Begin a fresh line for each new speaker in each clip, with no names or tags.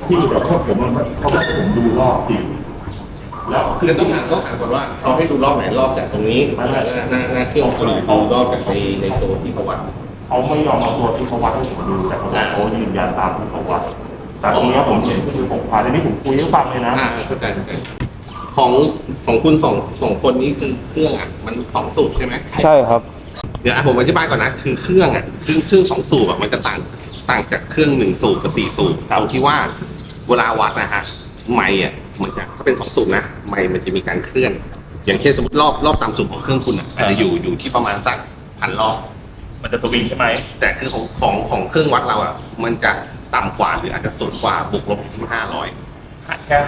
ที่เดี๋ยวพวกผมเขาให้ผมดูรอบจริงแล้ว
คือต้องถามก่อนว่าเขาให้ดูรอบไหนรอบจากตรงนี้หน้าเครื่องคนเขารอบจากในตัวที่เขาวัด
เขาไม่ยอมเอาตัวที่เขาวัดให้ผมดูแต่เขายืนยันตามที่เขาวัดแต่ตรงนี้ผมเห็นก็คือผมพาในนี้ผมคุยให้ฟังเลยนะ
เข้าใจของคุณสองคนนี้คือเครื่องอ่ะมัน2 สูบใช่ไหม
ใช่ครับ
เดี๋ยวผมอธิบายก่อนนะคือเครื่องอ่ะเครื่อง2 สูบอ่ะมันจะต่างจากเครื่อง1 สูบกับ4 สูบตรงที่ว่าเวลาวัดนะฮะไมค์อ่ะมันจะถ้าเป็น2 สูบนะไมค์มันจะมีการเคลื่อนอย่างเช่นสมมติรอบตามสูบของเครื่องคุณอ่ะอาจจะอยู่ที่ประมาณสัก1,000 รอบ
มันจะสวิงใช่ไหม
แต่คือของเครื่องวัดเราอ่ะมันจะต่ำกว่าหรืออาจจะสูงกว่าบวกลบที่500
แค่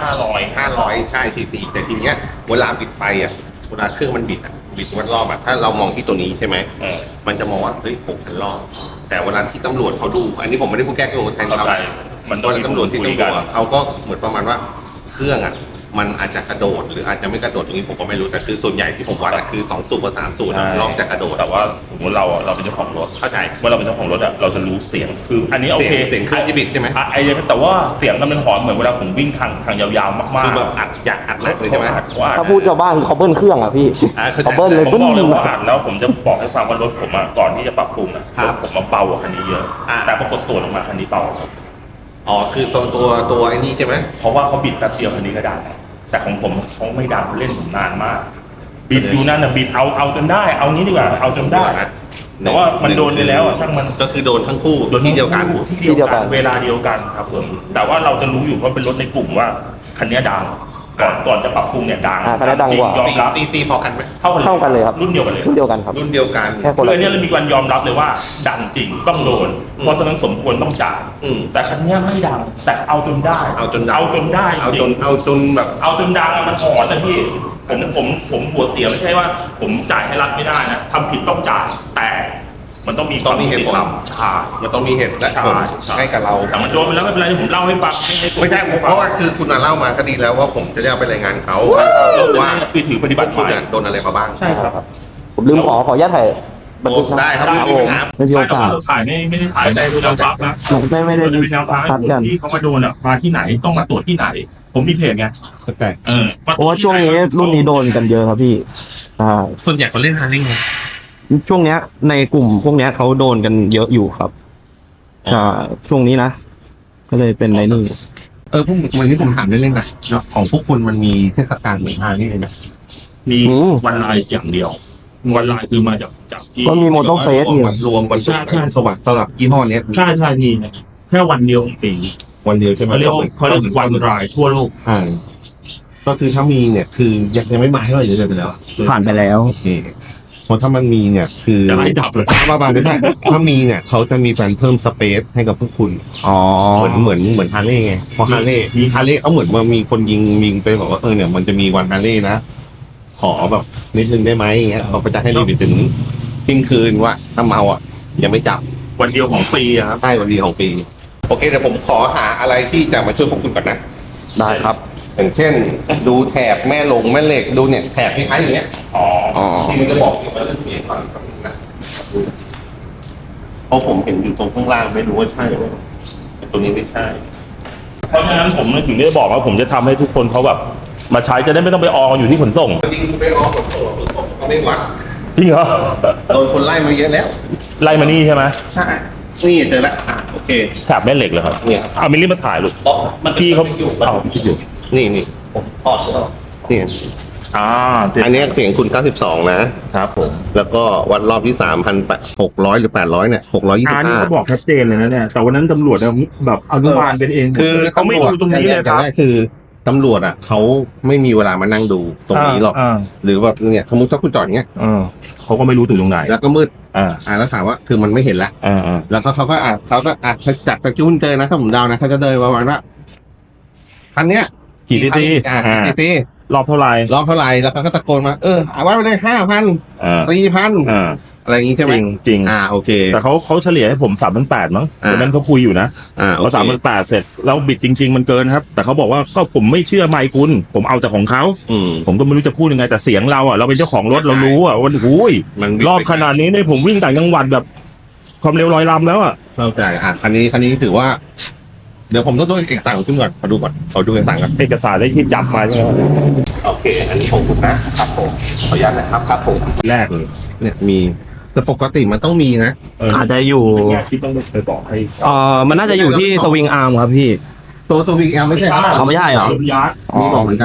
500
ใช่ซีแต่ทีเนี้ยเวลาบิดไปอ่ะเวลาเครื่องมันบิดวัดรอบอ่ะถ้าเรามองที่ตัวนี้ใช่ไหมมันจะมองว่าเฮ้ย6,000 รอบแต่เวลาที่ตำรวจเขาดูอันนี้ผมไม่ได้พูดแก้ตัวแทนเขา
มันต้อง
ตำรวจที่ตำรวจเขาก็เหมือนประมาณว่าเครื่องอ่ะมันอาจจะกระโดดหรืออาจจะไม่กระโดดตรงนี้ผมก็ไม่รู้แต่คือส่วนใหญ่ที่ผมวัดคือ2 สูบกับ3 สูบรอบจะกระโดด
แต่ว่าสมมติเราเป็นเจ้าของรถ
เข้าใจ
เมื่อเราเป็นเจ้าของรถอะเราจะรู้เสียงคืออันนี้โอเค
เสียงเครื่องที่บิดใช่ไหม
ไอ้เนี่ยแต่ว่าเสียงมันหอนเหมือนเวลาผมวิ่งทางยาวๆมากๆ
คือแบบอยากอัดเลยใช่ไหม
ถ้าพูดชาวบ้านเขาเบิ้ลเครื่องอ่ะพี่เขาเบิ้ลเลย
ผมบอกเลยว่าอัดแล้วผมจะบอกให้ฟังว่ารถผมอะก่อนที่จะปรับปรุงอะผมมาเบากว่าคันนี้เยอะแต่ปรากฏตัวลงมาคันนี้เบา
อ๋อคือตัวไอ้นี่ใช่ไหม
เพราะว่าเขาบิดแป๊บเดียวคันนี้ก็ดังแต่ของผมเขาไม่ดังเล่นผมนานมากบิดอยู่นั่นนะบิดเอาจนได้เอางี้ดีกว่าเอาจนได้แต่ว่ามันโดนไปแล้วช่างมัน
ก็คือโดนทั้งคู่ที่เดียวกัน
เวลาเดียวกันครับผมแต่ว่าเราจะรู้อยู่เพราะเป็นรถในกลุ่มว่าคันนี้ดังก่อนจะปรับปรุงเนี่ยดัง
คันนี้ดังกว่า
ซีพอกันไหม
เท่ากันเลยครับ
รุ่นเดียวกันเลย
ครับ
รุ่นเดียวกัน
คืออันนี้เรามีการยอมรับเลยว่าดังจริงต้องโดนเพราะฉะนั้นสมควรต้องจ่ายแต่คันนี้ไม่ดังแต่เอาจนได้
เอาจนแบบ
เอาจนดังมันหอนนะพี่ผมหัวเสียไม่ใช่ว่าผมจ่ายให้รัฐไม่ได้นะทำผิดต้องจ่ายแต่มันต้องมี
เหตุผล
ใช่
มันต้องมีเหตุและผลให้กับเรา
แต่มันโดนไปแล้วไม่เป็นไรผมเล่าให้ฟัง
ไม่ใช่เพราะว่าคือคุณเล่ามาก็ดีแล้วว่าผมจะเอาไปรายงานเขาว่า
ถือปฏิบัติ
คุณโดนอะไรมาบ้าง
ใช่ครับ
ผมลืมขออนุญาตถ่ายบันทึก
ได้ครับไม่มีปัญหา
ไม่มีโอกาส
ถ่ายไม่ได้ถ่ายได้เรารับนะ
ไม่ได้
เป็นแนวทางที่เขามาโดนอ่ะมาที่ไหนต้องมาตรวจที่ไหนผมมีเพจไง
เพราะว่าช่วงนี้รุ่นนี้โดนกันเยอะครับพี่
ส่วนใหญ่เขาเล่นฮาร์ดไง
ช่วงเนี้ยในกลุ่มพวกเนี้ยเขาโดนกันเยอะอยู่ครับใช่ช่วงนี้นะก็เลยเป็นในนี่
พวกวันนี้ผมถามเล่นๆนะของพวกคุณมันมีเทศกาลเหมือนฮาร์ดไหม
มีวันลายอย่างเดียววันลายคือมาจากที่
ก็มีโมโตเฟส
อยู่รวมวันใช่สวัสดิ์สำหรับยี่ห้อนี้
ใช่มีแค่วันเดียวของปี
วันเดียวใช่ไหม
เขาเรียกวันลายทั่วโลก
ก็คือถ้ามีเนี่ยคือยังไม่มาให้เราเยอะไปแล้ว
ผ่านไปแล้ว
โอเคเพราะถ้ามันมีเนี่ยคือ
จะไล่จับเลย
บ้าไม่ใช่ถ้ามีเนี่ยเขาจะมีการเพิ่มสเปซให้กับพวกคุณเหมือนฮาร์เลย์ไงเพราะฮาร์เลย์เขาเหมือนว่ามีคนยิงไปบอกว่าเนี่ยมันจะมีวันฮาร์เลย์นะขอแบบนิดนึงได้ไหมอย่างเงี้ยเขาจะให้รีบไปถึงเที่ยงคืนว่าถ้าเมาอ่ะยังไม่จับ
วันเดียวของปีครับ
ใช่วันเดียวของปีโอเคแต่ผมขอหาอะไรที่จะมาช่วยพวกคุณก่อนนะ
ได้ครับ
อย่างเช่นดูแถบแม่เหล็กดูเนี่ยแถบคล้ายๆอย่างเงี้ยที่มันจะบอกที่มันจะเสียก่อนนะเพราะผมเห็นอยู่ตรงข้างล่างไม่รู้ว่าใช่ไหมแต่ตัวนี้ไม่ใช่
เพราะฉะนั้นผมถึงได้บอกว่าผมจะทำให้ทุกคนเขาแบบมาใช้จะได้ไม่ต้องไปอออยู่ที่ขนส่ง
จริงไปออขนส่งเขาไม่วัด
จริงเหรอ
โดนคนไล่มาเยอะแล้ว
ไล่มานี่ใช่ไหม
ใช่นี่เจอแล้วโอเค
แถบแม่เหล็กเลยครับ
เนี่ย
เอามิลลิมาถ่ายลูกพี่เขาเอาพี่อยู่
นี่
ผมถอดแล้ว
นี่อันนี้เสียงคุณ92
นะครับผม
แล้วก็วัดรอบที่3,600หรือ800เนี่ย625
นี่เขาบอกชัดเจนเลยนะเนี่ยแต่วันนั้นตำรวจแบบอนุบาลเป็นเอง
คือ
เขาไม่ดูตรงนี้เลยครับ
คือตำรวจเขาไม่มีเวลามานั่งดูตรงนี้หรอกหรือแบบเนี่ยสมมติถ้าคุณจอดเงี้ย
เขาก็ไม่รู้ถึงตรงไหน
แล้วก็มืดแล้วถามว่าคือมันไม่เห็นละแล้วเขาก็จัดตะกิ้วเจอนะถ้าผมเดานะเขาจะเดินประมาณว่าคันเนี้ย
กี่ซี
ซี
รอบเท่าไร
แล้วเขาก็ตะโกนมาเอาไว้ไปเลย5,000 4,000อะไรอย่างงี้ใช่ไหม
จริง
โอเค
แต่เขาเฉลี่ยให้ผม3,800มั้งวันนั้นเขาคุยอยู่นะพอ3,800เสร็จแล้วบิดจริงๆมันเกินครับแต่เขาบอกว่าก็ผมไม่เชื่อไมค์คุณผมเอาแต่ของเขาผมก็ไม่รู้จะพูดยังไงแต่เสียงเราเราเป็นเจ้าของรถเรารู้วันรอบขนาดนี้เนี่ยผมวิ่งต่างจังหวัดแบบความเร็ว100 ลำแล้ว
เข้าใจอันนี้ถือว่าเดี๋ยวผมต้องดูเอกสารขึ้นก่อนขอดูก่อนขอดูเอกสารก่อน
เอกสารได้ที่จับมาใช่ไหม
โอเค อันนี้ของผมนะครับผมขออนุญาตนะครับครับผม
แรกเลย
เนี่ยมีแต่ปกติมันต้องมีนะ
อาจจะอยู่
แรกที่ต้องไปบอกให้
มันน่าจะอยู่ที่สวิงอาร์มครับพี่
ตัวสวิงแอลไม่ใช่
เขาไม่ใช่เหรอ
ยาร์ด
มีบอกเหมือนกัน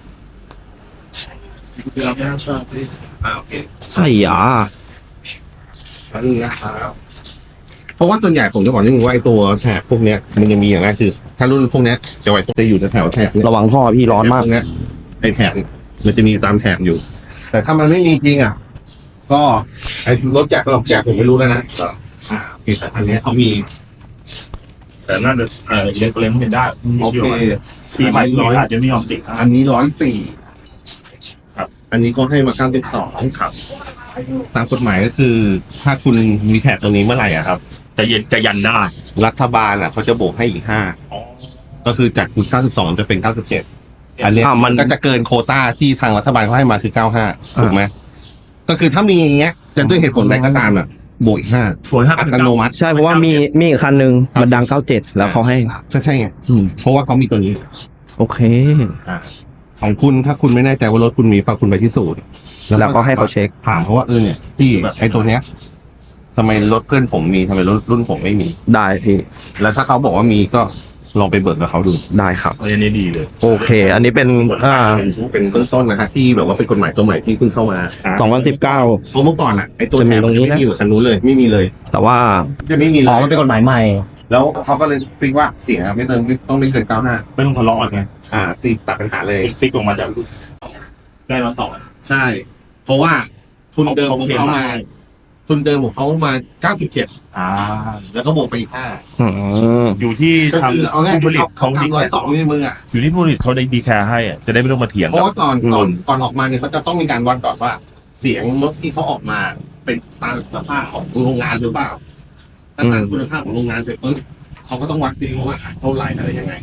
โอเค
ใช่หรอ
อันนี้นะครับเพราะว่าส่วนใหญ่ผมจะบอกนิดนึงว่าไอ้ตัวแถบพวกเนี้ยมันจะมีอย่างแรกคือถ้ารุ่นพวกเนี้ยจะไว้จะอยู่แถวแถบเนี่ย
ระวังท่อพี่ร้อนมาก
พวเนี้ยไอ้แถบมันจะมีตามแถบอยู่ แต่ถ้ามันไม่มีจริงอ่ะ ก็ไอ้รถแจกสำหรับแจกผมไม่รู้แล้วนะโอเคแต่อันเนี้ยเขามี
แต่น่าจะเล็กเล็กไม่ได้
โอเค
ปีใหม่อาจจะไม่ยอมติด
อันนี้104
ครับ
อันนี้ก็ให้มา92
ครับ
ตามกฎหมายก็คือ ถ้าคุณมีแถบตรงนี้เมื่อไหร่อะครับ
จะยันได้
รัฐบาลอ่ะเขาจะบวกให้อีก5ก็คือจากคุณ92จะเป็น97อันเนี้ย
มัน
ก็จะเกินโควต้าที่ทางรัฐบาลเขาให้มาคือ95ถูกไหมก็คือถ้ามีอย่างเงี้ยจะด้วยเหตุผลใดก็ตามอ่ะบวกอีก5
สวยครับ
อัตโนมัติ
ใช่เพราะว่ามีอีกคันหนึ่งมันดัง97แล้วเขาให้
ก็ใช่ไงเพราะว่าเขามีตัวนี้
โอเค
ของคุณถ้าคุณไม่แน่ใจว่ารถคุณมีฝากคุณไปที่ศูนย์
แล้วก็ให้เขาเช็ค
ถามเขาว่าเนี่ยพี่ไอ้ตัวเนี้ยทำไมรถเพื่อนผมมีทำไมรถรุ่นผมไม่มี
ได้พี่
แล้วถ้าเขาบอกว่ามีก็ลองไปเบิกกับเขาดู
ได้ครับ
อันนี้ดีเลย
โอเค อันนี้เป็น
เป็นเบื้องต้นนะฮะที่แบบว่าเป็นกฎหมายตัวใหม่ที่เพิ่งเข้ามา
2019
เพราะเมื่อก่อนอ่ะไอ้ตัว
จะมี
แถบ
ตรงนี้
ไม่
นะ
มีอยู่คันนู้นเลยไม่มีเลย
แต่ว่า
จะไม่มีเลย
มันเป็นกฎหมายใหม่
แล้วเขาก็เลยฟิกว่าเสียไม่เกินต้องไม่เกิน95
ไม่ต้องทะเลาะกันไง
ตีตัดปัญหาเลย
ฟิกออกมาจากได้มาต่อ
ใช่ เพราะว่าทุนเดิมของเขามา ทุนเดิมของเขามา97แล้วก็บวกไปอีก5
อยู่ที่
ก็
ทาง
คือเอาง่าย
ผู้ผลิตเขา
ทำ102ในมืออ่ะ
อยู่ที่ผู้ผลิตเขาได้ดีแคร์ให้อะจะได้ไม่ต้องมาเถียง
เพราะว่าก่อนออกมาเนี่ยเขาจะต้องมีการวัดก่อนว่า เสียงรถที่เขาออกมาเป็นตามสภาพของโรงงานหรือเปล่าถ้าตามคุณภาพของโรงงานเสร็จปุ๊บเขาก็ต้องวัดดีว่าเท่าไหร่อะไรยังไง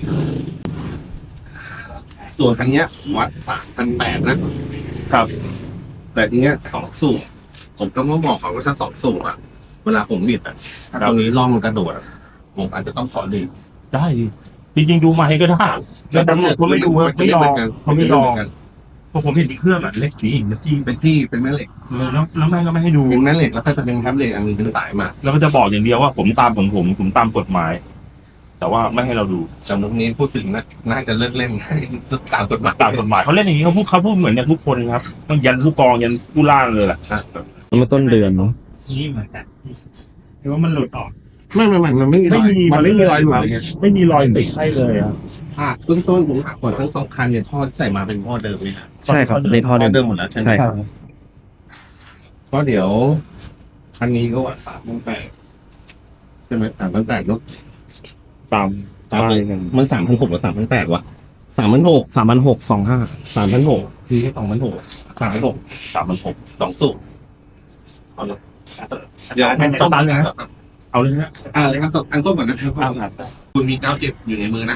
ส่วนคันเนี้ยวัด3,800นะครับ แต่ทีเนี้ย2 สูบผมต้องบอกก่อนว่าถ้า2 สูบอ่ะเวลาผมบิดอ่ะถ้าตรงนี้ล่องมันกระโดดอะผมอาจจะต้องขอดี
ได้จริงๆดูมาให้ก็ได้แล้วตำรวจเขาไม่ดูไม่ยอมเขาไม่ยอมเพราะผมเห็นที่เครื่องอ่ะเล็กจริงนะจริง
เป็นแม่เหล็ก
แล้วแม่งก็ไม่ให้ดู
เป็นแม่เหล็กแล้วก็จะเป็นแท็บเหล็กอันนึงเป็นสายมา
แล้วก็จะบอกอย่างเดียวว่าผมตามผมตามกฎหมาย แต่ว่าไม่ให้เราดู
จำนวนนี้พูดถึงนะน่าจะเลิกเล่น ตามกฎหมาย
ตามกฎหมายเขาเล่นอย่างนี้เขาพูดเหมือนกันทุกคนครับต้องยันผู้กองยันผู้ล่างเลยแหละ
มันต้นเดือนเนาะ
นี่เหมือนกันแต่ว่ามันหลุดออก
ไม่มันไม่มีรอยมันไม่มีรอยหลุดเลยไง
ไม่มีรอยติดให้เลยอ่ะ
เบื้องต้นผมถามก่อนทั้งสองคันเนี่ยท่อที่ใส่มาเป็นท่อเดิมไหมครับ
ใช่ครับในท่อ
ท่อ
เดิ
เดิ
ม
มหมดแล้วใช่ไหม
ใช่ครับ
ก็เดี๋ยวคันนี้ก็วัด3,800ใช่ไหม3,800เนาะ
ตาม
มัน3,600หรือ3,800วะ3,600
3,625
3,600คือ2,600 3,600
3,600
2 สูบเอาเลยเดี๋ยวคันส้มนะ
เอาเลยนะ
คันส้มก่อนนะครับคุณมี97อยู่ในมือนะ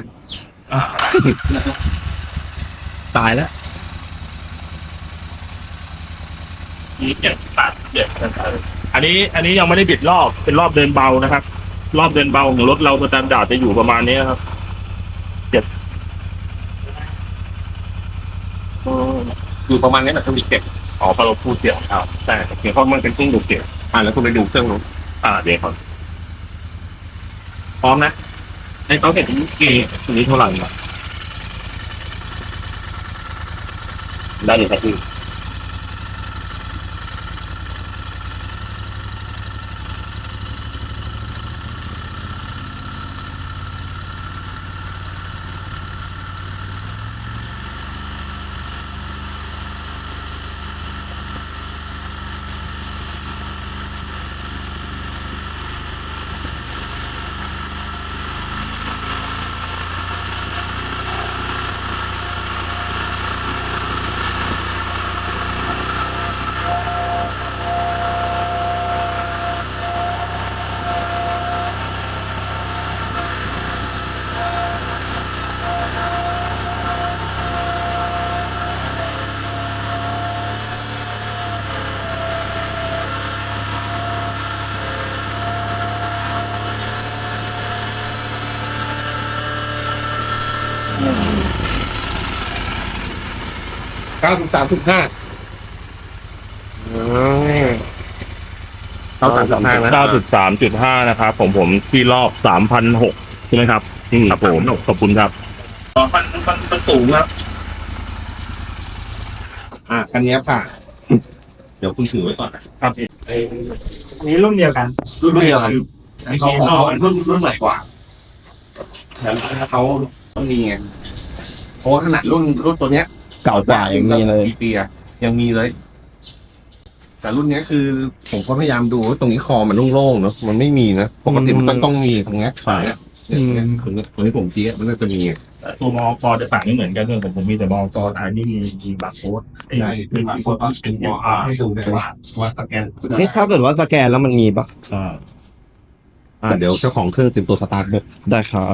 ตายแล้ว
มีอันนี้ยังไม่ได้บิดรอบเป็นรอบเดินเบานะครับ รอบเดินเบาของรถเราสแตนดาร์ดจะอยู่ประมาณนี้ครับอยู่ประมาณนี้แหละต้องมีเก็บพอเราพูดเสียงแต่เสียงเขามันเป็นเครื่องดูดเสียงแล้วคุณไปดูเครื่องนู้นเดี๋ยวครับพร้อมนะให้เขาเห็นกี่ตัวนี้เท่าไหร่ได้เลยครับพี่
93.5
93.5 นะครับผมที่รอบ 3,600 ใช่ไหมครับครับผมขอบคุณครับมันสูงครับ
คันนี้ผ่านเดี๋ยวคุณถือไว้ก่อนนะครับ
นี่รุ่นเดียวกันมีเขารุ่นใหม่กว่า
แต่เขาต้องมีไงเพราะว่าขนาดรุ่นตัวเนี้ย
เก่ากว่ายังมีเลย
กี่ปีอะยังมีเลย แต่รุ่นเนี้ยคือ ผมก็พยายามดูว่าตรงนี้คอมันโล่งๆเนาะมันไม่มีนะปกติมันต้องมีตรงเนี้ยเนี่ยตรงนี้ผมจี้มันน่าจะมี
ตัวมอกจะต่างไม่เหมือนกันเลยผมมีแต่มอกอันนี้มีบาร์โค้ด
ใช่เป็นบาร์โค้ดเป็นให้ดูได้ว่าสแกน
นี่ถ้าเกิดว่าสแกนแล้วมันมีปะ
เดี๋ยวเจ้าของเครื่องเตรียมตัวสตาร์ทเลย
ได้ครับ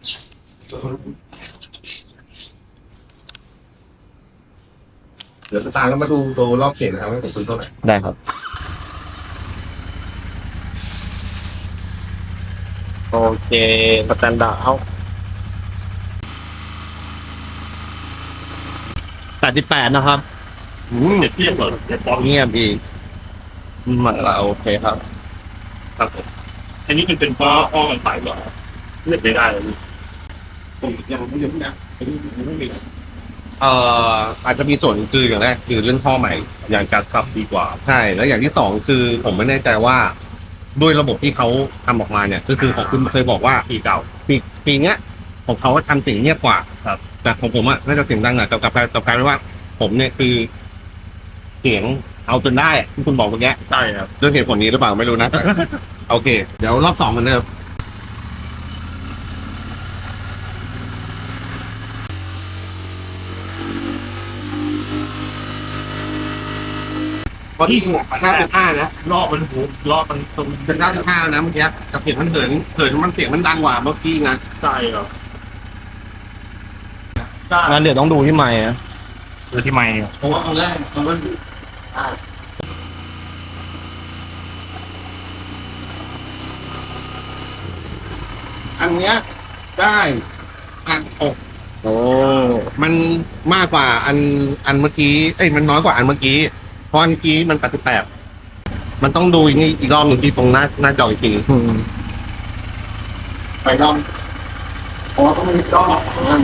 เดี๋ยวสตาร์ทแล้วมาดูตัวรอบเขตนะครับว่าผมซื้อเท่าไหร่
ได้ครับ โอเคสแตนดาร์ดเอา88นะครับ
เด็ดเทียบเลยเด็ดบอล
เงียบอีกมาละโอเคครับ
ครับผมอันนี้เป็นป้อกันไปเหรอเลือกไม่ได้เลย
ผมยังไม่นะอาจจะมีส่วนคืออย่างแรกคือเรื่องท่อใหม่
อย่างการซับดีกว่า
ใช่แล้วอย่างที่สองคือผมไม่แน่ใจว่าด้วยระบบที่เขาทำออกมาเนี่ยก็คือของคุณเคยบอกว่า
ปีเก่า
ปีเนี้ยของเขาทำเสียงเงียบกว่า
ครับ
แต่ของผมน่าจะเสียงดังกับกลายเป็นว่า ผมเนี่ยคือเสียงเอาจนได้ที่คุณบอกเมื่อกี้
ใช่ครับ
ด้วยเหตุผลนี้หรือเปล่าไม่รู้นะ โอเค เดี๋ยวรอบ2กันเดิมพอที่5.5นะ
รอบมันตรง
เป็น9.5นะเมื่อกี้แต่เสียงมันเหินมันเสียงมันดังกว่าเมื่อกี้นะ
ใช่ครับ
งั้นเดี๋ยวต้องดูที่ไมค์นะ
คือที่ไม่
เพราะว่าตอนแรกมันอันเนี้ยได้อันอกโอ้มันมากกว่าอันเมื่อกี้มันน้อยกว่าอันเมื่อกี้เพราะอันเมื่อกี้มัน88มันต้องดูอีกรอบหนึ่งที่ตรงหน้าจออีกทีไปรอบเพราะว่าต้องมีรอบนั่น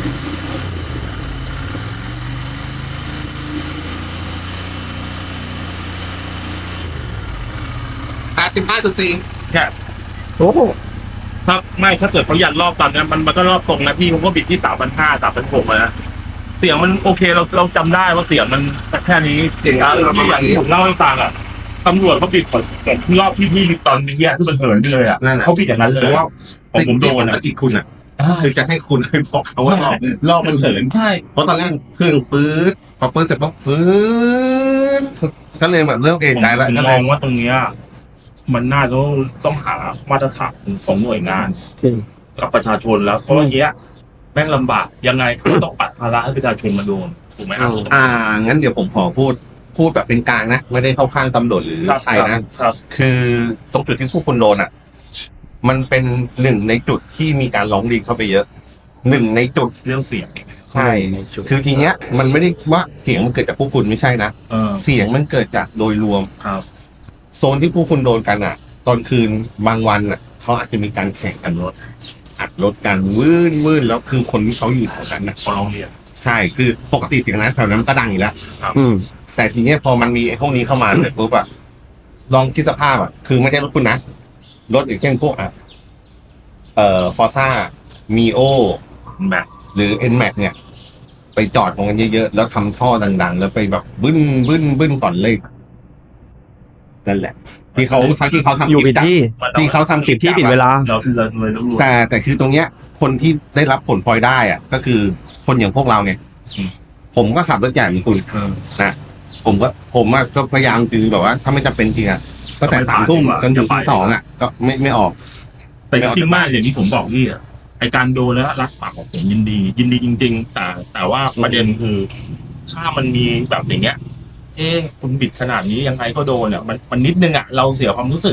85.4
แค่
โอ้โห
ถ้าเกิดเขายันรอบตอนนี้มันก็รอบตรงนะพี่ผมก็บิดที่3,500 3,600นะเสียงมันโอเคเราจำได้ว่าเสียงมันแค่นี้อย่างที่ผมเล่าให้ฟังอ่ะตำรวจเขาบิดแต่รอบที่พี่ตอนนี้ที่มันเหินไปเลยอ่ะเขาบิดอย่างนั้นเลย
เพราะว่า
ผมโดน
ตะกี้คุณคือจะให้คุณไปบอกเขาว่ารอบมันเหิน
ใช่
เพราะตอนแรกเครื่องปื๊ดพอปื๊ดเสร็จปุ๊บปื๊ดก็เลยแบบเริ่มเอะใจแล้ว
ผม
ก็
ม
เล
อย งว่าตรงเนี้ยมันน่าจะต้องหามาตรฐานของหน่วยงาน กับประชาชนแล้วเพราะว่าเนี้ยแม่งลำบากยังไงเขาต้องปัดภาระให้ประชาชนมาโดนถูกไหมครับ
งั้นเดี๋ยวผมขอพูดแบบเป็นกลางนะไม่ได้เข้าข้างตำรวจหรือใครนะครับ คือตรงจุดที่ผู้คนโดนมันเป็นหนึ่งในจุดที่มีการร้องเรียนเข้าไปเยอะหนึ่งในจุด
เรื่องเสียง
ใช่คือทีเนี้ยมันไม่ได้ว่าเสียงมันเกิดจากผู้คุณไม่ใช่นะเสียงมันเกิดจากโดยรวม
ครับ
โซนที่ผู้คุณโดนกันตอนคืนบางวันเขาอาจจะมีการแข่งกันรถอัดรถกันวื่นแล้วคือคนที่เขาอยู่แถวนั้น
เขาร้องเรียน
ใช่คือปกติเสียงนั้นแถวนั้นก็ดังอยู่แล้วแต่ทีเนี้ยพอมันมีไอ้พวกนี้เข้ามาเสร็จปุ๊บลองคิดสภาพคือไม่ใช่รถคุณนะรถอย่างเช่นพวกฟอร์ซ่ามีโอ
แม็ก
หรือ N-Max เนี่ย ไปจอดตรงกันเยอะๆแล้วทำท่อดังๆแล้วไปแบบบึ้นก่อนเลยนั่นแหละ ที่เขาทำ
อยู่ผิด
ที่เขาทำคลิป
ที่ผิดเวลา
เราเลยต้องรู้
แต่คือตรงเนี้ย คนที่ได้รับผลพลอยได้ก็คือคนอย่างพวกเราไงผมก็ขับรถใหญ่เหมือนคุณนะผมก็พยายามจริงแบบว่า ถ้าไม่จำเป็นจริงตั้งแต่3 ทุ่มจนถึงตี 2ก็ไม่ออก
แต่จริงมากอย่างที่ผมบอกพี่ไอการโดนแล้วรักปากของผมยินดีจริงๆแต่ว่าประเด็นคือถ้ามันมีแบบอย่างเงี้ยคุณบิดขนาดนี้ยังไงก็โดนมันนิดนึงเราเสียความรู้สึก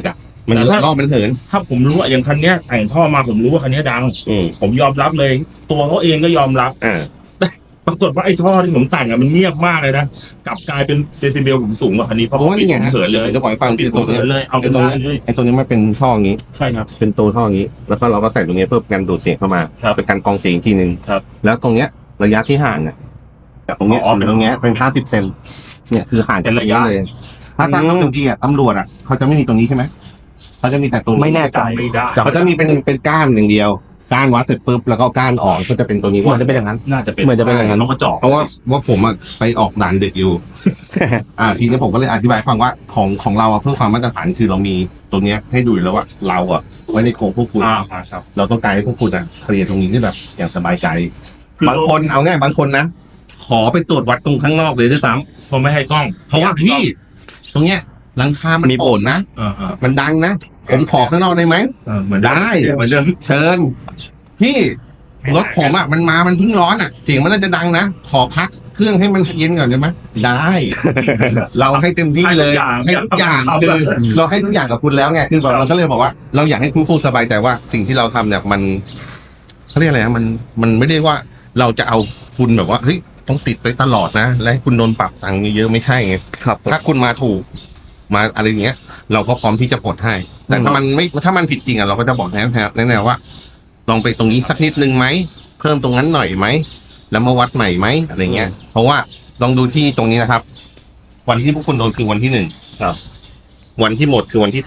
มัน
แต่ถ้า
รอบมันเหิน
ถ้าผมรู้ว่าอย่างคันเนี้ยแต่งท่อมาผมรู้ว่าคันเนี้ยดัง ผมยอมรับเลย ตัวเขาเองก็ยอมรับ ปรากฏว่าไอ้ท่อที่ผมแต่งอะมันเงียบมากเลยนะกลับกลายเป็นเดซิเบลผมสูงกว่าคันนี้เพราะ
เพราะว่านี่ไง
ผมเขินเลย
จะบอกให้ฟัง
ปิดผมเขินเลยเอา
ไอ้
เป็น
ตรง
ได้
นี้
เลย
ไอ้ตรงนี้มันเป็นท่ออย่างนี้
ใช่ครับ
เป็นตัวท่ออย่างนี้ แล้วก็เราก็ใส่ตรงนี้เพื่อกันดูดเสียงเข้ามา
ครับ
เป็นการกรองเสียงอีกทีนึง
ครับ
แล้วตรงเนี้ยระยะที่ห่างเนี่ยจากตรงเนี้ย
อ๋อ
ถึงตรงเนี้ยเป็น50 เซนเนี่ยคือห่างจากตรงนี้เลยถ้าบางทีตำรวจเขาจะไม่มีตรงนี้ใช่ไหมเขาจะมีแต่ตรงนี้
ไม่แน่ใจ
ไม่ได้
เขาจะมีเป็นก้านอย่างเดียวก้านวัดเสร็จปุ๊บแล้วก็ก้านออกก็จะเป็นตัวนี้
เหมือนจะเป็นอย่างนั้น
น่าจะเป็น
เหมือนจะเป็นอย่างนั้น
เขาก็เจาะ
เพราะว่าผมไปออกด่านดึกอยู่ ทีนี้ผมก็เลยอธิบายฟังว่าของเราเพื่อความมาตรฐานคือเรามีตัวเนี้ยให้ดูแล้วว่าเราไว้ในโกงพวกคุณ
ครับ
เราต้องการให้พวกคุณเคลียร์ตรงนี้ที่แบบอย่างสบายใจ
คือบ
างคนเอาง่ายบางคนนะขอไปตรวจวัดตรงข้างนอกเลยด้วยซ้
ผมไม่ให้กล้อง
ำเพราะว่าพี่ ตรงเนี้ยหลังคามัน
มีผล
โป่งนะ
เออ
มันดังนะผมขอข้างนอกได้ไหม
เหมือน
ได้
เหมือนเดิม
เชิญ พี่รถผมมันมามันเพิ่งร้อนเสียงมันน่าจะดังนะขอพักเครื่องให้มันเย็นก่อนได้ไหมได้ เราให้เต็มที่เลยให้ทุกอย่างคือเราให้ทุกอย่างกับคุณแล้วไงคือแบบเราก็เลยบอกว่า เราอยากให้คุณผู้สบายใจว่าสิ่งที่เราทำเนี่ยมันเขาเรียกอะไรนะมันไม่ได้ว่าเราจะเอาคุณแบบว่าเฮ้ยต้องติดไปตลอดนะและให้คุณโดนปรับตังค์เยอะๆไม่ใช่ไง
ครับ
ถ้าคุณมาถูกมาอะไรอย่างเงี้ย เราก็พร้อมที่จะปลดให้ แต่ถ้ามันผิดจริงเราก็จะบอกแนวว่า ลองไปตรงนี้สักนิดนึงไหมเพิ่มตรงนั้นหน่อยไหมแล้วมาวัดใหม่ไหมอะไรเงี้ย เพราะว่าลองดูที่ตรงนี้นะครับ วันที่พวกคุณโดนคือวันที่1
ครับ
วันที่หมดคือวันที่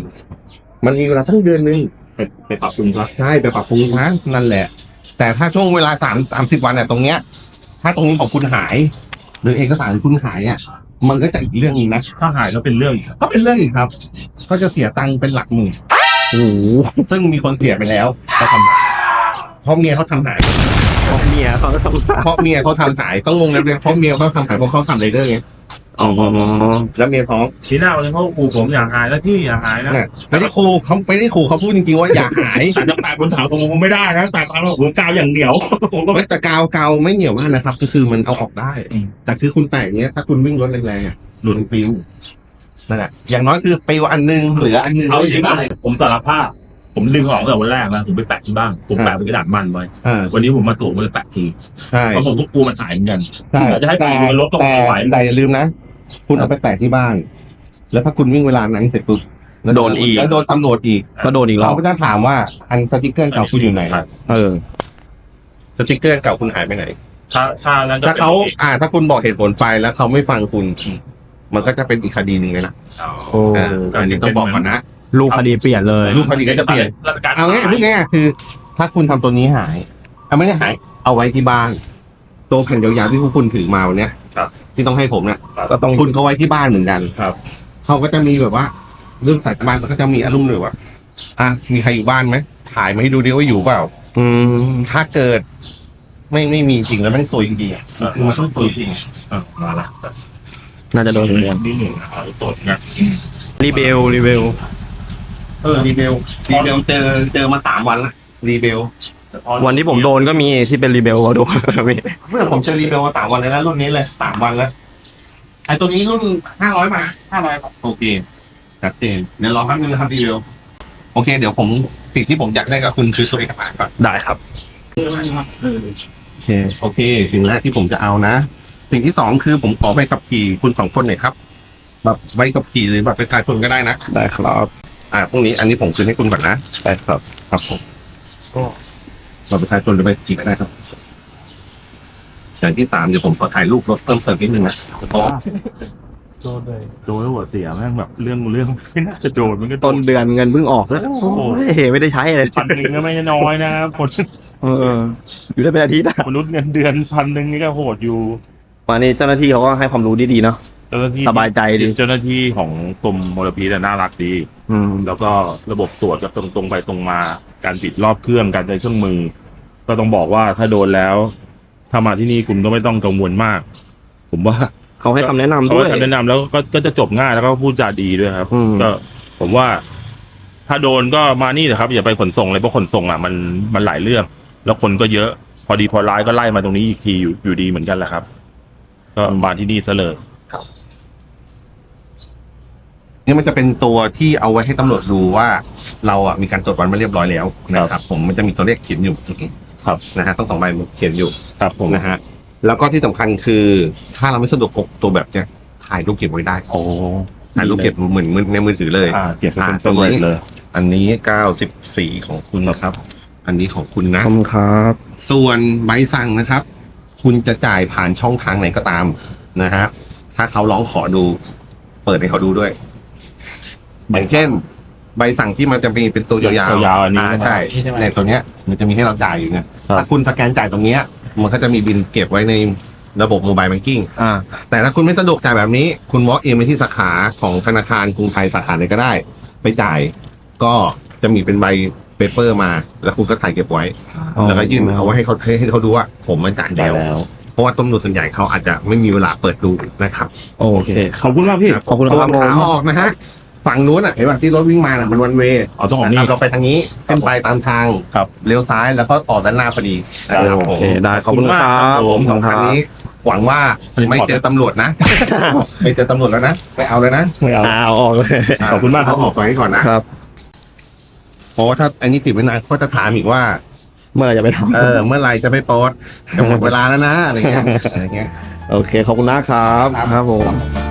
30มันมีเวลาทั้งเดือนนึง
ไปปรับปรุงครับ
ใช่ไปปรับปรุงนะนั่นแหละ แต่ถ้าช่วงเวลา30 วันตรงเนี้ย ถ้าตรงนี้ของคุณหาย หรือเอกสารคุณหายมันก็จะอีกเรื่องนึงนะ
ถ้าหายก็เป็นเรื่อง
ก็เป็นเรื่องอีกครับ ก็จะเสียตังค์เป็นหลักหมื่น
โอ้โห
ซึ่งมีคนเสียไปแล้วเขาทำเพราะเมียเขาทำหาย
เมียเขาทำ
เพราะเมียเขาทำหายต้องงงเลยเพราะเมียเขาทำหายเพราะเขาทำไรเดอร์ไง
อ๋อ
แล้วเมียท้อง
ทีหน้าวันนี้เขาขู่ผมอยากหายแล้วพี่อยากหายนะ
เนี่ยไม่ได้ขู่เขาพูดจริงๆว่าอย่าหาย
แต่จะแปะบนถังผมไม่ได้นะแต่ตามผมกาวอย่างเดียวผมก็
แต่กาวไม่เหนียวมากนะครับ ก็คือมันเอาออกได้ แต่คือคุณแปะอย่างเงี้ยถ้าคุณวิ่งรถแรงๆหลุดปิวนั่นแหละอย่างน้อยคือปิวอันนึงเหลืออันนึง
เอาจริง
ได้
ๆผมสารภาพผมดึงออกตั้งแต่วันแรกแล้วผมไปแปะที่บ้านผมแปะเป็นกระดาษมันไว้ วันนี้ผมมาตรวจผมเลยแปะที
ใช่
เพราะผมก็กลัวมันหายเหมือนกัน
ใช่
จะให้ไปดูรถต้องไหว
แต่อย่าลืมนะ คุณเอาไปแปะที่บ้าน แล้วถ้าคุณวิ่งเวลานั้นเสร็จปุ๊บแล้วโดนตำรวจอีก
ก็โดนอีกรอ
เขา
บ
ก็จะถามว่าอันสติกเกอร์เก่าคุณอยู่ไหน สติกเกอร์เก่าคุณหายไปไหน
ถ้านั้นก็
ถ้าเขาถ้าคุณบอกเหตุผลไปแล้วเขาไม่ฟังคุณ มันก็จะเป็นอีกคดีหนึ่งเลยนะ
โอ้
อันนี้ต้องบอกก่อนนะ
ลูกคดีเปลี่ยนเลย
รูปคดีก็จะเปลี่ยน
ราชการ
เอาง่ายพูดง่ายๆคือ ถ้าคุณทำตัวนี้หายไม่ได้หาย เอาไว้ที่บ้าน ตัวแผ่นยาวๆที่พวกคุณถือมาวันเนี้ยที่ต้องให้ผมเนี่ย
ก็ต้อง
คุณก็ไว้ที่บ้านเหมือนกัน
ครับ
เขาก็จะมีแบบว่าเรื่องสายบ้านก็จะมีอารมณ์เลยว่ามีใครอยู่บ้านไหมถ่ายมาให้ดูดิว่าอยู่เปล่า
อืม
ถ้าเกิด ไม่มีจริงแล้วแม่งซวยจริงๆคือมันต้องซวยจริง
มาละ
น่าจะโดนเหมือนกัน
นี่หนึ่งเอาตรวจนะ
รีเบล
รีเบล
รีเบลเจอมา3 วันละรีเบล
วันที่ผมโดนก็มีที่เป็นรีเบลก็โดนมี
เมื่อผมเจอรีเบลมา3 วันเลยนะรุ่นนี้เลย3 วันแล้วไอ้ตัวนี้รุ่น500มา500โอเคชัดเจนเดี๋ยวรอแป๊บนึงนะครับรีเบลโอเค เดี๋ยวผมสิ่งที่ผมอยากได้ก็คุณคือตัวเอกสารก่อน
ได้ครับ
โอเคสิ่งแรกที่ผมจะเอานะ สิ่งที่2คือผมขอใบขับขี่คุณ2 คนหน่อยครับแบบใบขับขี่หรือแบบประชาชนก็ได้นะ
ได้ครับ
พวกนี้อันนี้ผมคืนให้คุณก่อนนะได้ครับครับผมก็เราประชาชนหรือใบขับขี่ก็ได้ครับอย่างที่3เดี๋ยวผมขอถ่ายรูปรถเพิ่มเติมนิดนึงนะเพราะ
โดนเลยโดนแล้วหัวเสียแม่งแบบเรื่องไม่น่าจะโดนมันก็
ต้นเดือนเงินเพิ่งออกแล้วโอ้ยไม่ได้ใช้เลย
1,000ก็ไม่น้อยนะคน
อยู่ได้เป็นอาทิตย์อะ
มนุษย์เงินเดือน1,000นี่ก็โหดอยู่
วันนี้เจ้าหน้าที่เขาก็ให้ความรู้ดีๆเนาะ
เจ้าหน้าที่
สบายใจดี
เจ้าหน้าที่ของกรมมลพิษน่ารักดี แล้วก็ระบบตรวจกับตรงไปตรงมาการปิดรอบเครื่องการใช้เครื่องมือ ก็ต้องบอกว่าถ้าโดนแล้ว ถ้ามาที่นี่คุณก็ไม่ต้องกังวลมาก ผมว่า
เขาให้คำแนะนำ
เขา
ด้วย
ให้คำแนะนำแล้วก็จะจบง่ายแล้วก็พูดจาดีด้วยครับ ก็ผมว่า ถ้าโดนก็มานี่นะครับ อย่าไปขนส่งเลยเพราะขนส่งมันหลายเรื่อง แล้วคนก็เยอะ พอดีพอร้ายก็ไล่มาตรงนี้อีกทีอยู่ดีเหมือนกันแหละครับ ก็มาที่นี่ซะเลย
นี่มันจะเป็นตัวที่เอาไว้ให้ตำรวจดูว่าเราอ่ะมีการตรวจวัดมาเรียบร้อยแล้วนะครับผมมันจะมีตัวเลขเขียนอยู่
ครับ
นะฮะต้อง2 ใบมันเขียนอยู่
ครับผม
นะฮะแล้วก็ที่สำคัญคือถ้าเราไม่สะดวกพกตัวแบบเนี้ยถ่ายรูปเก็บไว้ได้
โอ้
ถ่ายรูปเก็บเหมือนในมือถือเลย
เก็บเป็นตัวเลย
อันนี้94ของคุณนะครับ อันนี้ของคุณนะ
ขอบคุณครับ
ส่วนใบสั่งนะครับ คุณจะจ่ายผ่านช่องทางไหนก็ตามนะฮะถ้าเขาร้องขอดู เปิดให้เขาดูด้วยอย่างเช่น ใบสั่งที่มันจะมีเป็นตัวยาวๆ
ยาวๆอันนี้
ใช่ในตัวเนี้ย มันจะมีให้เราจ่ายอยู่เนี่ยถ้าคุณสแกนจ่ายตรงเนี้ย มันก็จะมีบิลเก็บไว้ในระบบโมบายแบงกิ้ง แต่ถ้าคุณไม่สะดวกจ่ายแบบนี้ คุณ walk in ไปที่สาขาของธนาคารกรุงไทยสาขาไหนก็ได้ ไปจ่าย ก็จะมีเป็นใบเปเปอร์มา แล้วคุณก็ถ่ายเก็บไว้ แล้วก็ยื่นเอาไว้ให้เขาดูว่าผมมาจ่ายแล้ว เพราะว่าตำรวจส่วนใหญ่เขาอาจจะไม่มีเวลาเปิดดูนะครับ
โอเค
ขอบคุณมากพี่
ขอบคุณครับ
ส่วนขาออกนะฮะฝั่งนู้นอ่ะเห็นป่ะที่รถวิ่งมาน่ะมันวันเวย์
ต้องออกนี่
เราไปทางนี้ขึ้นไปตามทาง
ครับ
เลี้ยวซ้ายแล้วก็ออกด้านหน้าพอดีนะครับผ
โอ
ม
เคได้ขอบคุณครับ
ผมสองคันนี้ หวังว่าไม่เจอตำรวจนะ ไม่เจอตำรวจแล้วนะไม่เอาเลยนะ
ไม่เอา
เอาออกเลย
ขอบคุณมากครับ
เอออกไปให้ก่อนนะครับ เพราะว่าถ้าอันนี้ติดไว้นานก็จะถามอีกว่า
เมื่อไหร่จะไปทำ
เมื่อไหรจะไปโพสต์จะหมดเวลาแล้วนะอะไรเงี้ย
โอเค ขอบคุณนะครับ ครับผม